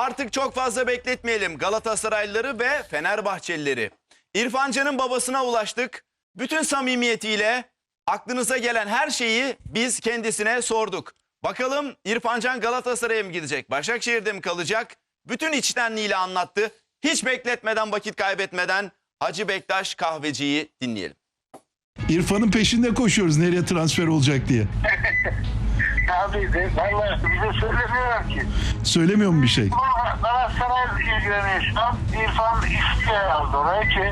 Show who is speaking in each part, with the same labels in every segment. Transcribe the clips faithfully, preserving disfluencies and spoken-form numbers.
Speaker 1: Artık çok fazla bekletmeyelim Galatasaraylıları ve Fenerbahçelileri. İrfan Can'ın babasına ulaştık. Bütün samimiyetiyle aklınıza gelen her şeyi biz kendisine sorduk. Bakalım İrfan Can Galatasaray'a mı gidecek, Başakşehir'de mi kalacak? Bütün içtenliğiyle anlattı. Hiç bekletmeden, vakit kaybetmeden Hacı Bektaş Kahveci'yi dinleyelim.
Speaker 2: İrfan'ın peşinde koşuyoruz nereye transfer olacak diye.
Speaker 3: Abi de valla bize söylemiyorlar ki.
Speaker 2: Söylemiyor mu bir şey?
Speaker 3: Ama Galatasaray ilgileniyor şu an. İrfan istiyor yazdı oraya ki.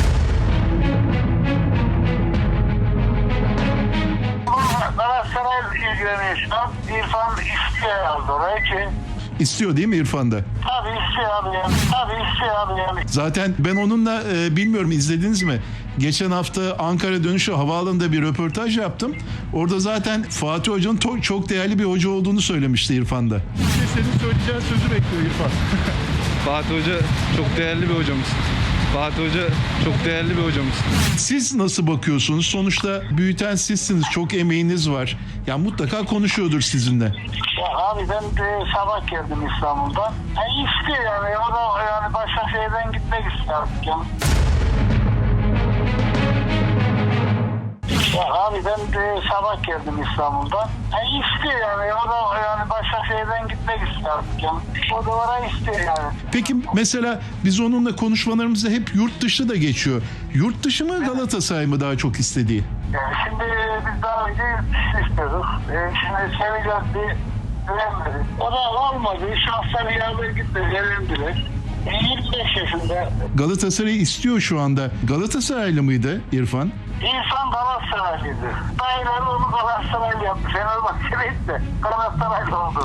Speaker 3: Ama Galatasaray ilgileniyor şu an. İrfan istiyor yazdı oraya ki.
Speaker 2: İstiyor değil mi İrfan da?
Speaker 3: Tabii istiyor abi yani. Tabii istiyor abi yani.
Speaker 2: Zaten ben onunla e, bilmiyorum izlediniz mi? Geçen hafta Ankara dönüşü havaalanında bir röportaj yaptım. Orada zaten Fatih Hoca'nın to- çok değerli bir hoca olduğunu söylemişti İrfan da. İşte senin söyleyeceğin sözü bekliyor İrfan.
Speaker 4: Fatih Hoca çok değerli bir hocamız. Fatih Hoca çok değerli bir hocamız.
Speaker 2: Siz nasıl bakıyorsunuz? Sonuçta büyüten sizsiniz. Çok emeğiniz var. Ya mutlaka konuşuyordur sizinle.
Speaker 3: Ya abi ben de sabah geldim İstanbul'dan. E istiyor yani. O da yani Başakşehir'den gitmek istiyor artık yani. Ya abi ben de sabah geldim İstanbul'dan. E istiyor yani. O da yani Başakşehir'den gitmek istiyor artık yani. O da oraya istiyor yani.
Speaker 2: Peki mesela biz onunla konuşmalarımızda hep yurt dışı da geçiyor. Yurt dışı mı Galatasaray mı daha çok istediği?
Speaker 3: Yani şimdi biz daha önce yurt dışı istiyorduk. E şimdi seveceğiz bir güvenmedi. O da olmadı. Şahsen yardım gitmedi. Elendiler. E yirmi beş yaşında.
Speaker 2: Galatasaray istiyor şu anda. Galatasaraylı mıydı İrfan?
Speaker 3: İnsan Galatasaraylıydı. Dayıları onu Galatasaraylı yaptı. Fenerbahçe'liydi de Galatasaraylı oldu.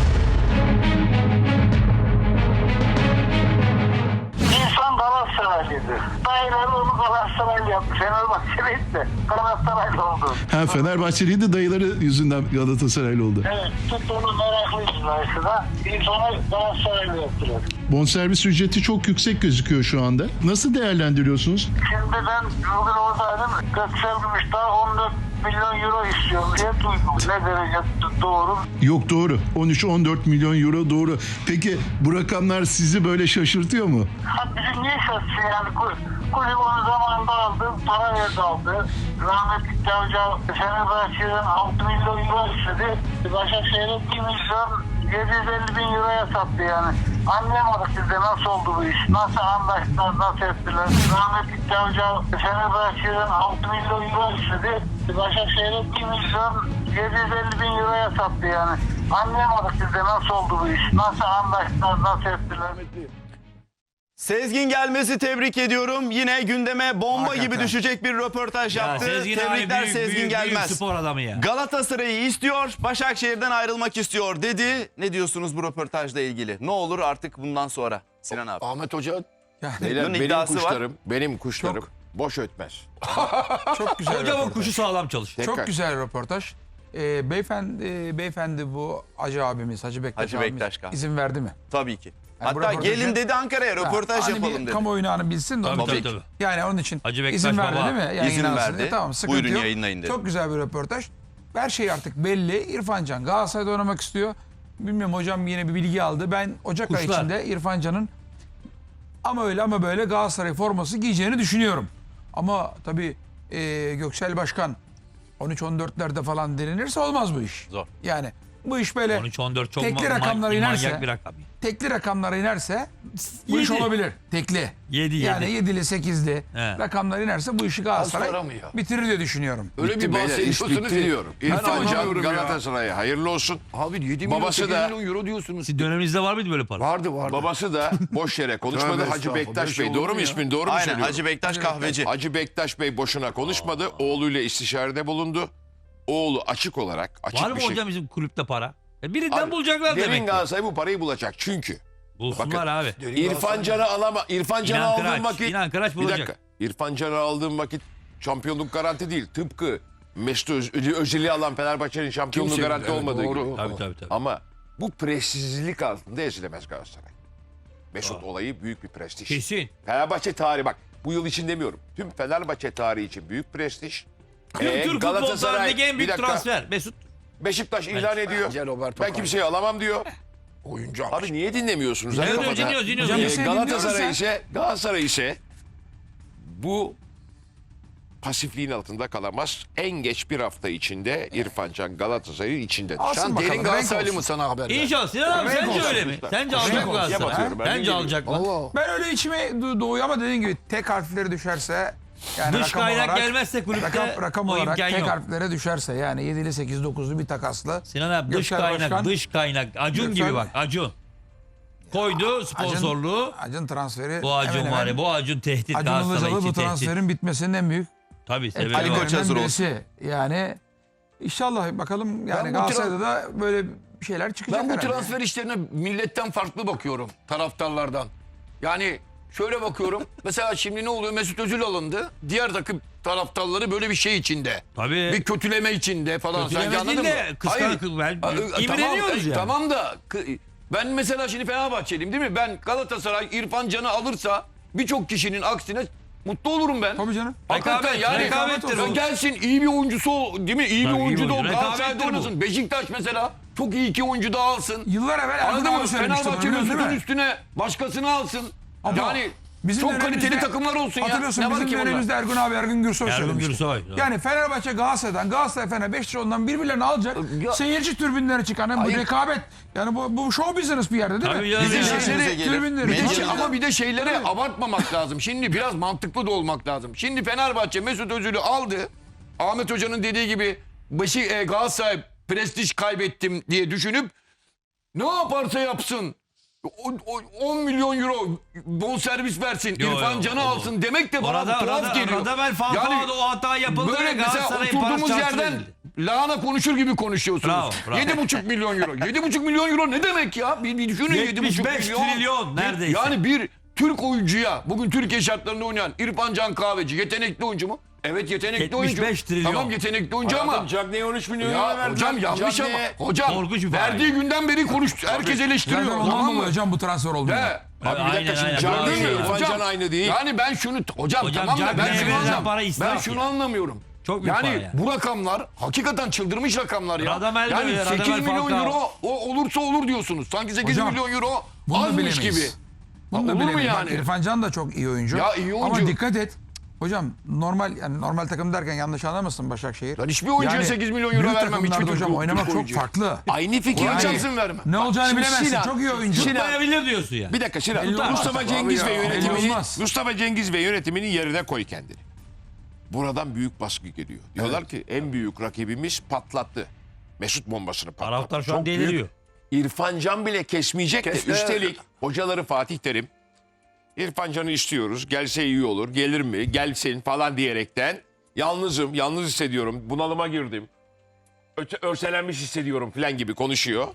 Speaker 3: İnsan Galatasaraylıydı. Dayıları onu Galatasaraylı yaptı. Fenerbahçe'liydi de Galatasaraylı oldu.
Speaker 2: Ha Fenerbahçeliydi dayıları yüzünden Galatasaraylı oldu.
Speaker 3: Evet, tuttu onu meraklıydı dayısına. İnsanı Galatasaraylı yaptılar.
Speaker 2: Bonservis ücreti çok yüksek gözüküyor şu anda. Nasıl değerlendiriyorsunuz?
Speaker 3: Şimdi ben bugün oradaydım. Göksel Gümüşdağ on dört milyon euro istiyorum diye duydum. Ne derece doğru?
Speaker 2: Yok doğru. on üç on dört milyon euro doğru. Peki bu rakamlar sizi böyle şaşırtıyor mu?
Speaker 3: Ha bizi niye şaşırtıyor yani? Kulüp onu zamanında aldı, para verdi aldı. Rahmetli Cavcav Fenerbahçe'den altı milyon euro istedi. Başakşehir'e bir milyon yedi yüz elli bin euroya sattı yani. Anlayamadık biz de nasıl oldu bu iş, nasıl anlaştılar, nasıl ettiler. Rahmetli Cavcav Fenerbahçe'den altı milyon euro istedi. Başakşehir'e bir milyon yedi yüz elli bin euroya sattı yani. Anlayamadık biz de nasıl oldu bu iş, nasıl anlaştılar, nasıl ettiler.
Speaker 1: Sezgin Gelmez'i tebrik ediyorum. Yine gündeme bomba
Speaker 5: Hakikaten.
Speaker 1: gibi düşecek bir röportaj
Speaker 5: Ya
Speaker 1: yaptı.
Speaker 5: Sezgin
Speaker 1: Tebrikler
Speaker 5: abi büyük,
Speaker 1: Sezgin
Speaker 5: büyük,
Speaker 1: Gelmez.
Speaker 5: büyük spor adamı ya.
Speaker 1: Galatasaray'ı istiyor, Başakşehir'den ayrılmak istiyor dedi. Ne diyorsunuz bu röportajla ilgili? Ne olur artık bundan sonra Sinan abi?
Speaker 6: Ahmet Hoca
Speaker 1: Bunun
Speaker 6: beyler, benim
Speaker 1: iddiası var.
Speaker 6: kuşlarım, benim kuşlarım boş ötmez.
Speaker 7: Çok güzel
Speaker 5: Hocamın
Speaker 7: röportaj.
Speaker 5: kuşu sağlam çalışıyor.
Speaker 6: Tekrar.
Speaker 7: Çok güzel röportaj. Ee, beyefendi, e, beyefendi bu Hacı abimiz, Hacı Bektaş
Speaker 1: Hacı
Speaker 7: abimiz
Speaker 1: Bektaş Kahve.
Speaker 7: izin verdi mi?
Speaker 1: Tabii ki.
Speaker 7: Yani bu
Speaker 1: Hatta
Speaker 7: röportajı-
Speaker 1: gelin dedi Ankara'ya röportaj
Speaker 7: Ha, hani
Speaker 1: yapalım
Speaker 7: bir
Speaker 1: dedi.
Speaker 7: kamuoyunu hani bilsin de onun
Speaker 5: Tabii,
Speaker 7: için.
Speaker 5: tabii, tabii.
Speaker 7: Yani onun için
Speaker 5: Hacı Bektaş
Speaker 7: izin verdi
Speaker 5: baba.
Speaker 7: değil mi?
Speaker 1: İzin
Speaker 7: Yayınlansın
Speaker 1: verdi.
Speaker 7: diye. Tamam, sıkıntı
Speaker 1: Buyurun
Speaker 7: yok.
Speaker 1: yayınlayın dedi.
Speaker 7: Çok güzel bir röportaj. Her şey artık belli. İrfan Can Galatasaray'da oynamak istiyor. Bilmiyorum hocam yine bir bilgi aldı. Ben Ocak ayı
Speaker 5: Kuşlar.
Speaker 7: içinde İrfan Can'ın ama öyle ama böyle Galatasaray forması giyeceğini düşünüyorum. Ama tabii e, Göksel Başkan on üç on dörtlerde falan direnirse olmaz bu iş.
Speaker 5: Zor.
Speaker 7: Yani bu iş böyle
Speaker 5: on üç on dört çok
Speaker 7: tekli
Speaker 5: ma-
Speaker 7: rakamlara
Speaker 5: ma-
Speaker 7: inerse,
Speaker 5: manyak bir rakam.
Speaker 7: tekli rakamlara inerse bu iş
Speaker 5: Yedi.
Speaker 7: olabilir. Tekli.
Speaker 5: Yedi,
Speaker 7: Yani
Speaker 5: yedi.
Speaker 7: yedili sekizli
Speaker 5: He.
Speaker 7: rakamlar inerse bu işi
Speaker 6: para
Speaker 7: Galatasaray
Speaker 6: mı ya?
Speaker 7: bitirir diye düşünüyorum.
Speaker 6: Öyle
Speaker 8: Bitti
Speaker 6: bir
Speaker 8: beyler, iş
Speaker 6: bahsediyorsunuz
Speaker 8: bitti
Speaker 6: ki.
Speaker 8: diyorum.
Speaker 6: Ben
Speaker 8: İrfan Can
Speaker 6: anlamıyorum ya.
Speaker 8: Galatasaray'a hayırlı olsun.
Speaker 6: Abi yedi milyon,
Speaker 8: Babası
Speaker 6: sekiz
Speaker 8: da-
Speaker 6: milyon euro diyorsunuz.
Speaker 5: Sizin döneminizde var mıydı böyle para?
Speaker 6: Vardı vardı.
Speaker 8: Babası da boş yere konuşmadı.
Speaker 6: Tövbe
Speaker 8: Hacı
Speaker 6: estağfurullah,
Speaker 8: Bektaş
Speaker 6: böyle şey
Speaker 8: Bey.
Speaker 6: olur
Speaker 8: Doğru
Speaker 6: mu
Speaker 8: mu
Speaker 6: ya?
Speaker 8: ismin? Doğru mu
Speaker 1: Aynen
Speaker 8: söylüyorum?
Speaker 1: Hacı Bektaş Kahveci.
Speaker 8: Hacı Bektaş Bey boşuna konuşmadı. Oğluyla istişarede bulundu. Oğlu açık olarak, açık
Speaker 5: Var mı
Speaker 8: bir şey.
Speaker 5: hocam bizim kulüpte para? E birinden
Speaker 8: Abi,
Speaker 5: bulacaklar
Speaker 8: demin
Speaker 5: demek ki.
Speaker 8: Galatasaray bu parayı bulacak. Çünkü
Speaker 5: Bulsunlar abi.
Speaker 8: İrfan Can'ı alama. İrfan Can'ı
Speaker 5: İnan
Speaker 8: aldığım
Speaker 5: Kıraç,
Speaker 8: vakit.
Speaker 5: İnan Kıraç
Speaker 8: bir
Speaker 5: bulacak.
Speaker 8: dakika. İrfan Can'ı aldığım vakit şampiyonluk garanti değil. Tıpkı Mesut Öz- Özil'i alan Fenerbahçe'nin şampiyonluğu
Speaker 6: Kimse
Speaker 8: garanti
Speaker 6: bilmiyor,
Speaker 8: olmadığı
Speaker 6: doğru.
Speaker 8: gibi.
Speaker 5: Tabii tabii tabii.
Speaker 8: Ama bu prestijsizlik altında ezilemez Galatasaray. Mesut olayı büyük bir prestij.
Speaker 5: Kesin.
Speaker 8: Fenerbahçe tarihi bak bu yıl için demiyorum. Tüm Fenerbahçe tarihi için büyük prestij. Ee,
Speaker 5: Türk futbolcularındaki en
Speaker 8: bir
Speaker 5: büyük
Speaker 8: dakika,
Speaker 5: transfer. Mesut.
Speaker 8: Beşiktaş ilan ediyor.
Speaker 6: Bence Roberto
Speaker 8: Ben kimseyi alamam diyor.
Speaker 6: Oyuncu almış.
Speaker 8: Abi niye dinlemiyorsunuz?
Speaker 5: Evet,
Speaker 8: Hakikaten.
Speaker 5: dinliyoruz, dinliyoruz.
Speaker 7: Hocam
Speaker 8: Ee,
Speaker 7: biz seni
Speaker 8: Galatasaray
Speaker 7: dinliyoruz
Speaker 8: ise Galatasaray ise bu pasifliğin altında kalamaz. En geç bir hafta içinde İrfan Can Galatasaray'ın içindedir.
Speaker 7: Alsın
Speaker 6: Sen
Speaker 7: bakalım,
Speaker 6: derin
Speaker 7: renk
Speaker 6: Galatasaraylı
Speaker 7: olsun.
Speaker 6: mı sana haber ver?
Speaker 5: İnşallah Sinan abi
Speaker 7: Renk
Speaker 5: sence
Speaker 7: olsun.
Speaker 5: öyle mi? Sence
Speaker 7: Renk
Speaker 5: alacak mı
Speaker 7: olsun.
Speaker 5: Galatasaray?
Speaker 8: Yapatıyorum, ben
Speaker 5: Bence
Speaker 8: bilmiyorum.
Speaker 5: alacak mı?
Speaker 6: Allah.
Speaker 7: Ben öyle içime do- doğuyor ama dediğin gibi tek harfleri düşerse yani
Speaker 5: Dış
Speaker 7: rakam
Speaker 5: kaynak
Speaker 7: olarak,
Speaker 5: gelmezse kulüpte
Speaker 7: rakam, rakam
Speaker 5: o
Speaker 7: olarak
Speaker 5: imkan
Speaker 7: tek
Speaker 5: yok.
Speaker 7: harflere düşerse yani yedili sekiz dokuzlu bir takaslı.
Speaker 5: Sinan abi dış
Speaker 7: Göksel
Speaker 5: kaynak,
Speaker 7: Başkan-
Speaker 5: dış kaynak. Acun
Speaker 7: Göksel-
Speaker 5: gibi bak, Acun. Koydu sponsorluğu.
Speaker 7: Acın, Acın transferi.
Speaker 5: Bu Acun
Speaker 7: hemen
Speaker 5: var
Speaker 7: hemen
Speaker 5: ya, bu Acun tehdit.
Speaker 7: Acun
Speaker 5: Galatasaray
Speaker 7: Ilıcalı
Speaker 5: için
Speaker 7: bu
Speaker 5: tehdit.
Speaker 7: transferin bitmesinin en büyük
Speaker 5: Tabii sebebi
Speaker 1: Ali
Speaker 5: var.
Speaker 1: Koç hazır olsun.
Speaker 7: birisi. Yani inşallah bakalım yani
Speaker 6: Ben bu
Speaker 7: Galatasaray'da da böyle bir şeyler çıkacak
Speaker 6: Ben bu
Speaker 7: herhalde.
Speaker 6: transfer işlerine milletten farklı bakıyorum. Taraftarlardan. Yani şöyle bakıyorum. Mesela şimdi ne oluyor? Mesut Özil alındı. Diğer takım taraftarları böyle bir şey içinde.
Speaker 5: Tabii.
Speaker 6: Bir kötüleme içinde falan.
Speaker 5: Kötüleme
Speaker 6: Sanki anladın
Speaker 5: değil
Speaker 6: mı?
Speaker 5: de kıskanık- ben-
Speaker 6: Aa, e,
Speaker 5: imreniyoruz
Speaker 6: tamam,
Speaker 5: yani.
Speaker 6: Tamam da kı- ben mesela şimdi Fenerbahçeliyim değil mi? Ben Galatasaray İrfan Can'ı alırsa birçok kişinin aksine mutlu olurum ben.
Speaker 7: Tabii canım.
Speaker 6: Hakikaten
Speaker 5: Rekabet,
Speaker 6: yani
Speaker 5: rekabettir
Speaker 6: ya
Speaker 5: bu.
Speaker 6: gelsin iyi bir oyuncusu ol, değil mi? İyi
Speaker 5: Tabii,
Speaker 6: bir
Speaker 5: iyi
Speaker 6: oyuncu da ol.
Speaker 5: oyuncu.
Speaker 6: Galatasaray'da
Speaker 5: Rekabettir bu.
Speaker 6: oynasın. Beşiktaş mesela çok iyi iki oyuncu da alsın.
Speaker 7: Yıllar evvel Ergun
Speaker 6: Anladın mı?
Speaker 7: abi söylemişti bunu,
Speaker 6: Fenerbahçe
Speaker 7: biliyorsun değil
Speaker 6: Mesut'un
Speaker 7: mi?
Speaker 6: üstüne başkasını alsın.
Speaker 7: Ama
Speaker 6: yani
Speaker 7: bizim
Speaker 6: çok
Speaker 7: dönemimizde-
Speaker 6: kaliteli takımlar olsun ya.
Speaker 7: Hatırlıyorsun
Speaker 6: Ne var
Speaker 7: bizim
Speaker 6: ki bunda?
Speaker 7: dönemimizde Ergun abi Ergun Gürsoy
Speaker 5: Ergun
Speaker 7: söylemişti.
Speaker 5: Gürsoy, doğru.
Speaker 7: Yani Fenerbahçe Galatasaray'dan Galatasaray Fener Beşiktaş ondan birbirlerini alacak.
Speaker 6: Ya-
Speaker 7: Seyirci tribünleri çıkan hem bu
Speaker 6: Hayır.
Speaker 7: rekabet. Yani bu, bu show business bir yerde değil
Speaker 5: Tabii
Speaker 7: mi?
Speaker 5: ya,
Speaker 7: Bizim
Speaker 5: ya.
Speaker 7: şeyleri,
Speaker 1: İşimize gelir.
Speaker 7: tribünleri.
Speaker 6: Bir de
Speaker 1: Medya-
Speaker 6: şey- ama bir de şeyleri abartmamak lazım. Şimdi biraz mantıklı da olmak lazım. Şimdi Fenerbahçe Mesut Özil'i aldı. Ahmet Hoca'nın dediği gibi başı e, Galatasaray prestij kaybettim diye düşünüp ne yaparsa yapsın o- o- on milyon euro bonservis versin,
Speaker 5: Yo,
Speaker 6: İrfan
Speaker 5: yo,
Speaker 6: Can'ı
Speaker 5: o-
Speaker 6: alsın demek de bana
Speaker 5: Orada,
Speaker 6: tuhaf
Speaker 5: orada,
Speaker 6: geliyor.
Speaker 5: orada ben Falcao'da o hata yapıldı
Speaker 6: Böyle
Speaker 5: ve
Speaker 6: mesela
Speaker 5: Galatasaray'ın
Speaker 6: oturduğumuz
Speaker 5: parası
Speaker 6: yerden
Speaker 5: çarçur edildi.
Speaker 6: lahana konuşur gibi konuşuyorsunuz.
Speaker 5: Bravo, bravo.
Speaker 6: Yedi buçuk milyon euro. Yedi buçuk milyon euro ne demek ya? Bir, bir düşünün yedi buçuk
Speaker 5: yetmiş beş
Speaker 6: milyon.
Speaker 5: trilyon neredeyse.
Speaker 6: Yani bir Türk oyuncuya bugün Türkiye şartlarında oynayan İrfan Can Kahveci yetenekli oyuncu mu? Evet yetenekli
Speaker 5: yetmiş
Speaker 6: oyuncu.
Speaker 5: beş trilyon.
Speaker 6: Tamam yetenekli oyuncu ama.
Speaker 8: Cagney'e on üç milyon euro
Speaker 6: Ya
Speaker 8: verdiler.
Speaker 6: hocam yanlış ama.
Speaker 8: Cagney'e-
Speaker 6: Hocam
Speaker 5: Korkunç bir para.
Speaker 6: verdiği günden beri konuştu. Herkes eleştiriyor.
Speaker 7: Zaten ondan
Speaker 6: Tamam mı?
Speaker 7: dolayı hocam bu transfer oldu.
Speaker 6: He.
Speaker 8: Abi bir
Speaker 5: Aynen,
Speaker 8: dakika şimdi
Speaker 5: aynen.
Speaker 8: Cagney
Speaker 5: Bravo.
Speaker 8: ile İrfan
Speaker 6: Hocam,
Speaker 8: Can aynı değil.
Speaker 6: Yani ben şunu hocam,
Speaker 5: Hocam,
Speaker 6: tamam da ben
Speaker 5: Cagney'e
Speaker 6: şunu
Speaker 5: verilen
Speaker 6: anlamıyorum.
Speaker 5: para
Speaker 6: Ben
Speaker 5: israf
Speaker 6: şunu
Speaker 5: ya.
Speaker 6: anlamıyorum.
Speaker 5: Çok büyük
Speaker 6: yani
Speaker 5: para yani.
Speaker 6: bu rakamlar hakikaten çıldırmış rakamlar ya.
Speaker 5: Radamel
Speaker 6: yani
Speaker 5: böyle,
Speaker 6: sekiz
Speaker 5: Radamel
Speaker 6: milyon
Speaker 5: Falcao.
Speaker 6: euro o olursa olur diyorsunuz. Sanki sekiz
Speaker 7: Hocam,
Speaker 6: milyon euro
Speaker 7: Bunu da
Speaker 6: azmış
Speaker 7: bilemeyiz.
Speaker 6: gibi.
Speaker 7: Bunu da
Speaker 6: Olur mu
Speaker 7: bilemeyiz. Bak,
Speaker 6: yani?
Speaker 7: İrfan Can da çok iyi oyuncu.
Speaker 6: Ya iyi oyuncu.
Speaker 7: Ama dikkat et. Hocam normal yani normal takım derken yanlış anlamasın Başakşehir.
Speaker 6: Ben hiçbir oyuncuya sekiz milyon euro
Speaker 7: büyük
Speaker 6: vermem, hiçbir
Speaker 7: takımlarda
Speaker 6: Türk-
Speaker 7: hocam
Speaker 6: Türk
Speaker 7: oynamak çok
Speaker 6: oyuncuya.
Speaker 7: farklı.
Speaker 8: Aynı fikir.
Speaker 6: Kur'an
Speaker 7: Yani-
Speaker 6: çarpsın vermem.
Speaker 7: Ne olacağını
Speaker 8: şimdi
Speaker 7: bilemezsin.
Speaker 8: Sinan-
Speaker 7: çok iyi oyuncu.
Speaker 8: Sinan-
Speaker 5: Tutmayabilir diyorsun ya.
Speaker 8: Bir dakika Sinan.
Speaker 7: Belli olmaz.
Speaker 8: Mustafa
Speaker 7: Tabii
Speaker 8: Cengiz
Speaker 6: ya,
Speaker 8: ve
Speaker 6: belli
Speaker 8: yönetimini
Speaker 7: olmaz.
Speaker 8: Mustafa Cengiz ve yönetiminin yerine koy kendini. Buradan büyük baskı geliyor. Diyorlar ki en büyük rakibimiz patlattı. Mesut bombasını patlattı.
Speaker 5: Taraftar şu an
Speaker 8: Çok büyük.
Speaker 5: deliriyor.
Speaker 8: İrfan Can bile kesmeyecek de
Speaker 6: Kes-
Speaker 8: üstelik hocaları Fatih Terim İrfan Can'ı istiyoruz. Gelse iyi olur. Gelir mi? Gelsin falan diyerekten yalnızım, yalnız hissediyorum. Bunalıma girdim. Öte, örselenmiş hissediyorum falan gibi konuşuyor.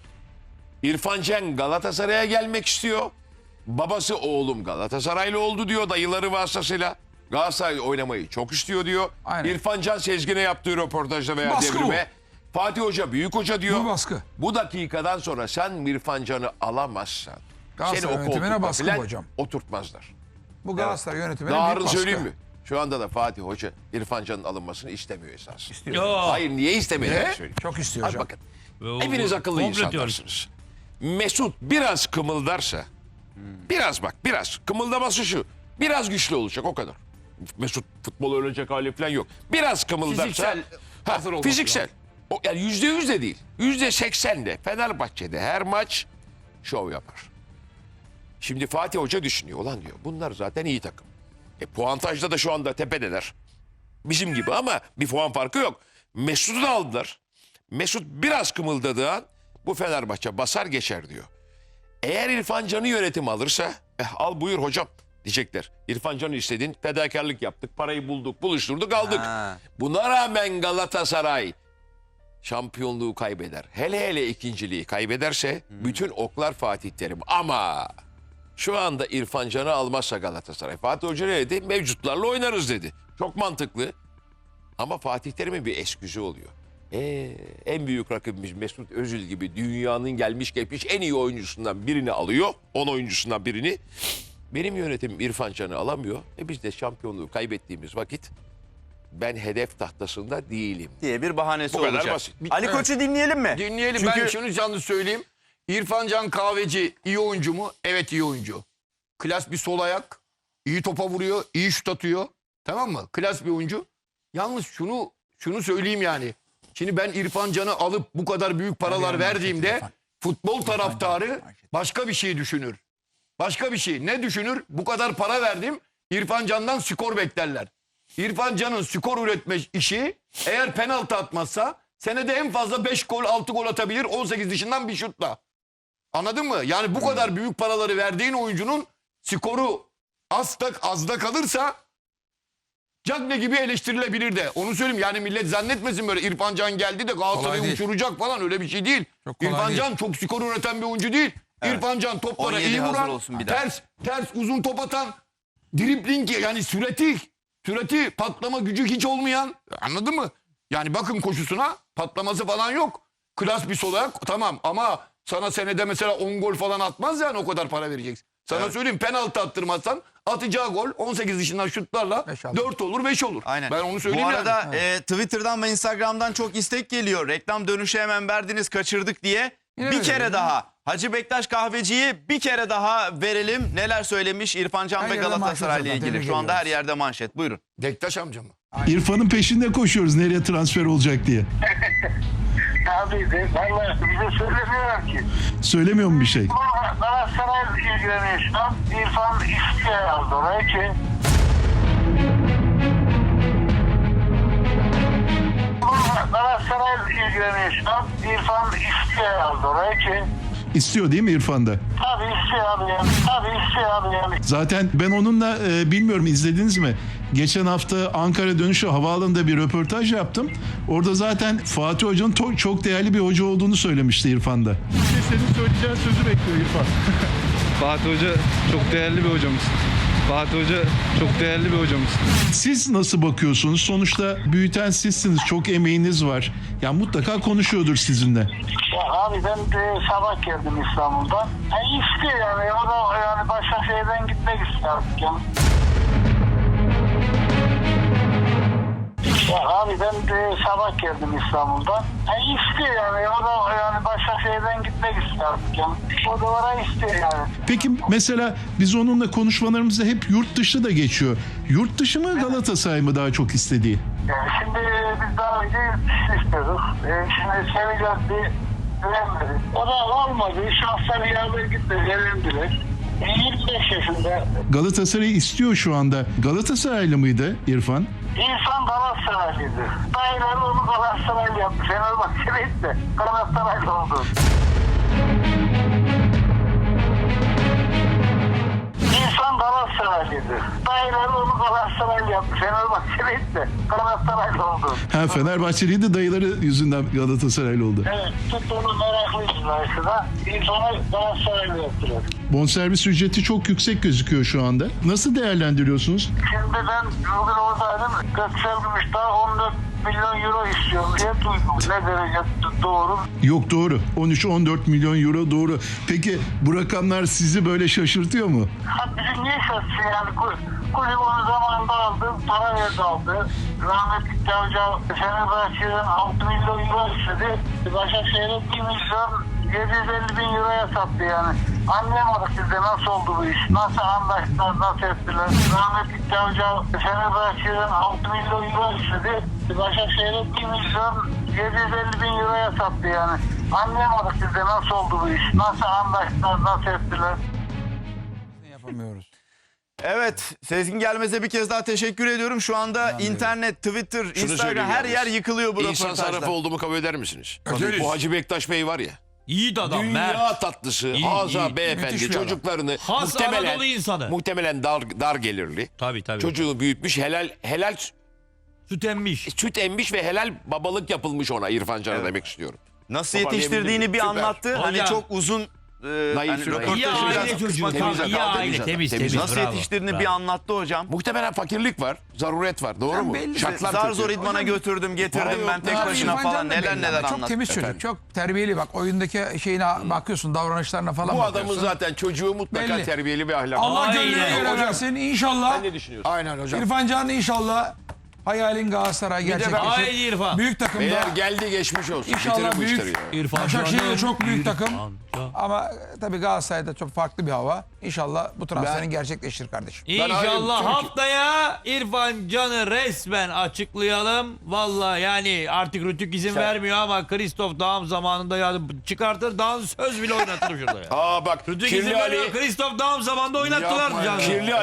Speaker 8: İrfan Can Galatasaray'a gelmek istiyor. Babası oğlum Galatasaraylı oldu diyor dayıları vasıtasıyla. Galatasaray oynamayı çok istiyor diyor.
Speaker 7: Aynen.
Speaker 8: İrfan Can Sezgin'e yaptığı röportajda veya
Speaker 7: Baskı
Speaker 8: devrime Fatih Hoca büyük hoca diyor.
Speaker 7: Bu baskı.
Speaker 8: Bu dakikadan sonra sen İrfan Can'ı alamazsan seni
Speaker 7: Galatasaray
Speaker 8: o
Speaker 7: yönetimine
Speaker 8: koltukta
Speaker 7: baskı
Speaker 8: filan
Speaker 7: hocam.
Speaker 8: oturtmazlar.
Speaker 7: Bu Galatasaray yönetimine
Speaker 8: Daha
Speaker 7: büyük
Speaker 8: ağırını
Speaker 7: baskı.
Speaker 8: söyleyeyim mi? Şu anda da Fatih Hoca İrfan Can'ın alınmasını istemiyor esas.
Speaker 5: Yo.
Speaker 8: Hayır niye istemediğini
Speaker 7: Ne?
Speaker 8: söyleyeyim.
Speaker 7: Çok istiyor
Speaker 8: Hadi
Speaker 7: hocam.
Speaker 8: bakın.
Speaker 5: Ve o-
Speaker 8: Hepiniz
Speaker 5: bu-
Speaker 8: akıllı
Speaker 5: komplo teorisi.
Speaker 8: insanlarsınız. Mesut biraz kımıldarsa, biraz bak biraz kımıldaması şu. Biraz güçlü olacak o kadar. Mesut futbol öğrenecek hali falan yok. Biraz kımıldarsa.
Speaker 6: Fiziksel
Speaker 8: Ha,
Speaker 6: hazır olması
Speaker 8: fiziksel. O, yani yüzde yüz de değil. Yüzde seksen de Fenerbahçe'de her maç şov yapar. Şimdi Fatih Hoca düşünüyor. Ulan diyor bunlar zaten iyi takım. E, puantajda da şu anda tepedeler. Bizim gibi ama bir puan farkı yok. Mesut'u da aldılar. Mesut biraz kımıldadığı an bu Fenerbahçe basar geçer diyor. Eğer İrfan Can'ı yönetim alırsa eh, al buyur hocam diyecekler. İrfan Can'ı istedin fedakarlık yaptık parayı bulduk buluşturduk aldık.
Speaker 1: Ha.
Speaker 8: Buna rağmen Galatasaray şampiyonluğu kaybeder. Hele hele ikinciliği kaybederse bütün oklar Fatih Terim. Ama şu anda İrfan Can'ı almazsa Galatasaray. Fatih Hoca ne dedi? Mevcutlarla oynarız dedi. Çok mantıklı. Ama Fatih Terim'in bir esküzü oluyor. Ee, en büyük rakibimiz Mesut Özil gibi dünyanın gelmiş geçmiş en iyi oyuncusundan birini alıyor. on oyuncusundan birini. Benim yönetimim İrfan Can'ı alamıyor. E biz de şampiyonluğu kaybettiğimiz vakit ben hedef tahtasında değilim.
Speaker 1: diye bir bahanesi
Speaker 8: Bu kadar
Speaker 1: olacak.
Speaker 8: basit.
Speaker 1: Ali Koç'u dinleyelim mi?
Speaker 6: Dinleyelim.
Speaker 1: Çünkü
Speaker 6: Ben şunu canlı söyleyeyim. İrfan Can Kahveci iyi oyuncu mu? Evet, iyi oyuncu. Klas bir sol ayak. İyi topa vuruyor, iyi şut atıyor. Tamam mı? Klas bir oyuncu. Yalnız şunu şunu söyleyeyim yani. Şimdi ben İrfan Can'ı alıp bu kadar büyük paralar verdiğimde futbol taraftarı başka bir şey düşünür. Başka bir şey. Ne düşünür? Bu kadar para verdim. İrfan Can'dan skor beklerler. İrfan Can'ın skor üretme işi eğer penaltı atmazsa senede en fazla beş gol altı gol atabilir on sekiz dışından bir şutla. Anladın mı? Yani bu kadar büyük paraları verdiğin oyuncunun skoru az da, az da kalırsa Cagne gibi eleştirilebilir de. Onu söyleyeyim yani millet zannetmesin böyle İrfan Can geldi de
Speaker 7: Kolay
Speaker 6: Galatasaray'ı
Speaker 7: değil.
Speaker 6: uçuracak falan, öyle bir şey değil.
Speaker 7: Çok kolay
Speaker 6: İrfan
Speaker 7: değil.
Speaker 6: Can çok skor üreten bir oyuncu değil. İrfan Can toplara
Speaker 1: on yedi
Speaker 6: iyi
Speaker 1: hazır
Speaker 6: vuran,
Speaker 1: olsun bir daha.
Speaker 6: ters ters uzun top atan, dribling yani sürati, sürati patlama gücü hiç olmayan, anladın mı? Yani bakın koşusuna, patlaması falan yok. Klas bir sol ayak tamam ama sana senede mesela on gol falan atmaz yani, o kadar para vereceksin. Sana
Speaker 1: Evet.
Speaker 6: söyleyeyim, penaltı attırmazsan atacağı gol on sekiz dışından şutlarla
Speaker 7: Beş alır.
Speaker 6: dört olur beş olur.
Speaker 1: Aynen.
Speaker 6: Ben onu söyleyeyim
Speaker 1: Bu arada
Speaker 6: yani.
Speaker 1: e, Twitter'dan ve Instagram'dan çok istek geliyor. Reklam dönüşü hemen verdiniz, kaçırdık diye.
Speaker 7: Yine
Speaker 1: bir
Speaker 7: verelim
Speaker 1: kere
Speaker 7: ya.
Speaker 1: daha Hacı Bektaş Kahveci'yi bir kere daha verelim. Neler söylemiş İrfan Can
Speaker 7: Her
Speaker 1: ve
Speaker 7: yerde
Speaker 1: Galatasaray'la
Speaker 7: manşet zaten,
Speaker 1: ilgili.
Speaker 7: tebrik
Speaker 1: Şu anda her
Speaker 7: ediyoruz.
Speaker 1: yerde manşet. Buyurun.
Speaker 6: Dektaş amca mı?
Speaker 2: İrfan'ın peşinde koşuyoruz nereye transfer olacak diye.
Speaker 3: Abi de valla bize söylemiyorlar ki.
Speaker 2: Söylemiyor mu bir şey?
Speaker 3: Ama Galatasaray ilgileniyor şu an. İrfan istiyor aldı oraya ki. Ama Galatasaray ilgileniyor şu an. İrfan istiyor aldı oraya ki.
Speaker 2: İstiyor değil mi İrfan'da?
Speaker 3: Tabii istiyor abi yani. Tabii istiyor abi yani.
Speaker 2: Zaten ben onunla e, bilmiyorum izlediniz mi? Geçen hafta Ankara dönüşü havaalanında bir röportaj yaptım. Orada zaten Fatih Hoca'nın to- çok değerli bir hoca olduğunu söylemişti İrfan'da. Senin söyleyeceğin sözü bekliyor İrfan.
Speaker 4: Fatih Hoca çok değerli bir hocamız. Fatih Hoca çok değerli bir hocamız.
Speaker 2: Siz nasıl bakıyorsunuz? Sonuçta büyüten sizsiniz. Çok emeğiniz var. Ya mutlaka konuşuyordur sizinle.
Speaker 3: Ya abi ben de sabah geldim İstanbul'dan. Yani istiyor yani. O da yani Başakşehir'den gitmek istiyor artık yani. Ya abi ben de sabah geldim İstanbul'dan. Yani istiyor yani. O da yani Başakşehir'den gitmek istiyor artık yani. O da oraya istiyor yani.
Speaker 2: Peki mesela biz onunla konuşmalarımızda hep yurt dışı da geçiyor. Yurt dışı mı Galatasaray mı daha çok istediği?
Speaker 3: Yani şimdi biz daha önce yurt dışı istiyorduk. Ee, şimdi seveceğiz bir güvenmedi. O da olmadı. Şahsen yardım gitmedi. Gelindiler. yirmi beş yaşında.
Speaker 2: Galatasaray istiyor şu anda. Galatasaraylı mıydı İrfan?
Speaker 3: İnsan Galatasaraylıydı. Dayıları onu Galatasaraylı yaptı. Fenerbahçe'liydi de Galatasaraylı oldu. İnsan Galatasaraylıydı. Dayıları onu Galatasaraylı yaptı. Fenerbahçe'liydi de Galatasaraylı oldu.
Speaker 2: Ha Fenerbahçeliydi dayıları yüzünden Galatasaraylı oldu.
Speaker 3: Evet, tuttu onu meraklıydı dayısı da. İnsanı Galatasaraylı yaptılar.
Speaker 2: Bonservis ücreti çok yüksek gözüküyor şu anda. Nasıl değerlendiriyorsunuz?
Speaker 3: Şimdi ben bugün oradaydım. Göksel Gümüşdağ on dört milyon euro istiyor diye duydum. Ne derece doğru?
Speaker 2: Yok doğru. on üç on dört milyon euro doğru. Peki bu rakamlar sizi böyle şaşırtıyor mu?
Speaker 3: Ha bizi niye şaşırsın yani? Kul- Kulüp onu zamanında aldı, para verdi aldı. Rahmetli Cavcav Fenerbahçe'den altı milyon euro istedi. Başakşehir'e bir milyon yedi yüz elli bin euroya sattı yani. Anlayamadık biz de nasıl oldu bu iş? Nasıl anlaştılar, nasıl ettiler? Rahmetli Cavcav Fenerbahçe'den altı milyon euro istedi. Başakşehir'e bir milyon yedi yüz elli bin euroya sattı yani. Anlayamadık biz de nasıl oldu bu iş? Nasıl anlaştılar, nasıl ettiler?
Speaker 7: Yapamıyoruz.
Speaker 1: Evet, Sezgin Gelmez'e bir kez daha teşekkür ediyorum. Şu anda internet, Twitter,
Speaker 8: Şunu
Speaker 1: Instagram
Speaker 8: söyleyeyim
Speaker 1: her
Speaker 8: yalnız.
Speaker 1: yer yıkılıyor bu
Speaker 8: İnsan
Speaker 1: röportajda.
Speaker 8: sarrafı olduğumu kabul eder misiniz?
Speaker 6: Ederiz.
Speaker 8: Bu Hacı Bektaş Bey var ya.
Speaker 5: İyi de adam
Speaker 8: Dünya
Speaker 5: Mert.
Speaker 8: tatlısı,
Speaker 5: İyi,
Speaker 8: Haza
Speaker 5: iyi.
Speaker 8: beyefendi
Speaker 7: Müthiş bir adam.
Speaker 8: çocuklarını
Speaker 5: Has
Speaker 8: muhtemelen
Speaker 5: Anadolu insanı.
Speaker 8: muhtemelen dar dar gelirli.
Speaker 5: Tabii tabii.
Speaker 8: Çocuğu büyütmüş, helal helal
Speaker 5: Süt emmiş.
Speaker 8: süt emmiş ve helal babalık yapılmış ona İrfan Can'a demek istiyorum.
Speaker 1: Nasıl
Speaker 8: Toparlayabildim
Speaker 1: yetiştirdiğini
Speaker 8: mi?
Speaker 1: bir
Speaker 8: Süper.
Speaker 1: anlattı. Hani
Speaker 5: Hocam.
Speaker 1: çok uzun e,
Speaker 8: Naif,
Speaker 1: hani
Speaker 8: naif.
Speaker 1: röportajı
Speaker 5: İyi
Speaker 1: biraz
Speaker 5: aile çocuğu.
Speaker 1: kısmadı.
Speaker 8: Temiz
Speaker 5: Tamam, iyi
Speaker 8: adam,
Speaker 5: aile.
Speaker 8: temiz adam,
Speaker 5: Temiz
Speaker 8: temiz
Speaker 5: temiz.
Speaker 1: Nasıl
Speaker 5: bravo,
Speaker 1: yetiştirdiğini
Speaker 5: bravo.
Speaker 1: bir anlattı hocam.
Speaker 8: Muhtemelen fakirlik var, zaruret var. Doğru mu?
Speaker 7: belli.
Speaker 8: Şartlar
Speaker 1: Zar
Speaker 8: kötü.
Speaker 1: zor idmana götürdüm, getirdim
Speaker 8: Para
Speaker 1: ben
Speaker 8: yok.
Speaker 1: tek
Speaker 7: Abi
Speaker 1: başına
Speaker 7: İrfan
Speaker 1: falan
Speaker 7: Can da
Speaker 1: neler
Speaker 7: belli
Speaker 1: neler
Speaker 7: ama Çok
Speaker 1: anlattı.
Speaker 7: temiz çocuk. Çok terbiyeli bak. Oyundaki şeyine bakıyorsun, davranışlarına falan
Speaker 8: Bu adamın
Speaker 7: bakıyorsun.
Speaker 8: zaten çocuğu mutlaka
Speaker 7: Belli.
Speaker 8: terbiyeli bir ahlak.
Speaker 7: Allah
Speaker 5: Aynen.
Speaker 7: gönlüne göre
Speaker 5: Hocam.
Speaker 7: versin inşallah.
Speaker 8: Sen ne düşünüyorsun?
Speaker 6: Aynen hocam.
Speaker 7: İrfan Can inşallah Hayalin Galatasaray
Speaker 6: de ben-
Speaker 7: gerçekleşir.
Speaker 5: Haydi İrfan.
Speaker 7: Büyük takımda
Speaker 6: Beyler geldi geçmiş olsun.
Speaker 7: İnşallah
Speaker 6: Bitirin bu
Speaker 7: büyük-
Speaker 6: işleri ya.
Speaker 5: İrfan
Speaker 7: Başakşehir de
Speaker 5: Can'ın
Speaker 7: çok büyük
Speaker 5: İrfan
Speaker 7: takım.
Speaker 5: Can.
Speaker 7: ama e, tabii Galatasaray'da çok farklı bir hava. İnşallah bu transferin
Speaker 6: Ben-
Speaker 7: gerçekleşir kardeşim.
Speaker 5: İnşallah
Speaker 6: Türkiye-
Speaker 5: haftaya İrfan Can'ı resmen açıklayalım. Vallahi yani artık Rütük izin vermiyor ama Kristof Dağım zamanında ya çıkartır dans söz bile oynatır şurada ya.
Speaker 6: Aa bak
Speaker 5: Rütük izin
Speaker 6: Kirli
Speaker 5: vermiyor.
Speaker 6: Ali.
Speaker 5: Kristof Dağım zamanında oynattılar
Speaker 6: Yapma ya.
Speaker 5: Can'ı.
Speaker 6: Kirli